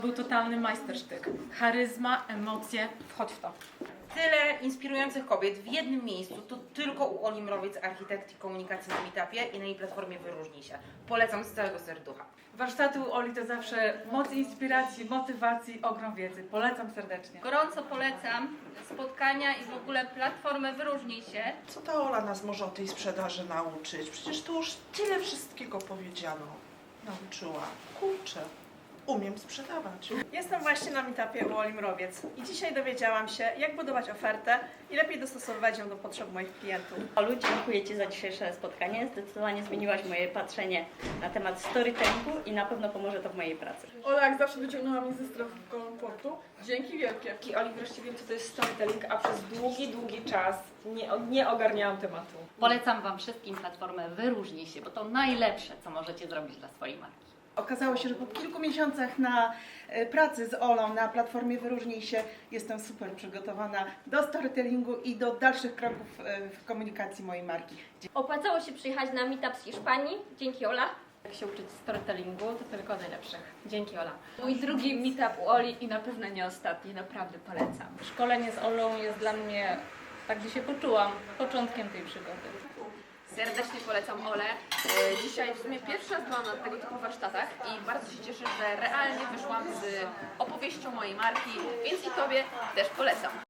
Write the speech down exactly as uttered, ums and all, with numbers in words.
Był totalny majstersztyk. Charyzma, emocje, wchodź w to. Tyle inspirujących kobiet w jednym miejscu, to tylko u Oli Mrowiec, architekt i komunikacji na Meetupie i na jej platformie Wyróżnij się. Polecam z całego serducha. Warsztaty u Oli to zawsze moc inspiracji, motywacji, ogrom wiedzy. Polecam serdecznie. Gorąco polecam spotkania i w ogóle platformę Wyróżnij się. Co ta Ola nas może o tej sprzedaży nauczyć? Przecież tu już tyle wszystkiego powiedziano. Nauczyła. Kurczę, umiem sprzedawać. Jestem właśnie na meetupie u Oli Mrowiec i dzisiaj dowiedziałam się, jak budować ofertę i lepiej dostosowywać ją do potrzeb moich klientów. Olu, dziękuję Ci za dzisiejsze spotkanie. Zdecydowanie zmieniłaś moje patrzenie na temat storytellingu i na pewno pomoże to w mojej pracy. Ola jak zawsze wyciągnęła mnie ze strefy komfortu. Dzięki wielkie. Dzięki Oli wreszcie wiem, co to jest storytelling, a przez długi, długi czas nie, nie ogarniałam tematu. Polecam Wam wszystkim platformę Wyróżnij się, bo to najlepsze, co możecie zrobić dla swojej marki. Okazało się, że po kilku miesiącach na e, pracy z Olą na platformie Wyróżnij się jestem super przygotowana do storytellingu i do dalszych kroków e, w komunikacji mojej marki. Opłacało się przyjechać na meetup z Hiszpanii. Dzięki, Ola. Jak się uczyć storytellingu, to tylko najlepszych. Dzięki, Ola. Mój drugi meetup u Oli i na pewno nie ostatni. Naprawdę polecam. Szkolenie z Olą jest dla mnie, tak gdzie się poczułam, początkiem tej przygody. Serdecznie polecam Olę. Dzisiaj w sumie pierwszy raz byłam na tego typu warsztatach i bardzo się cieszę, że realnie wyszłam z opowieścią mojej marki, więc i Tobie też polecam.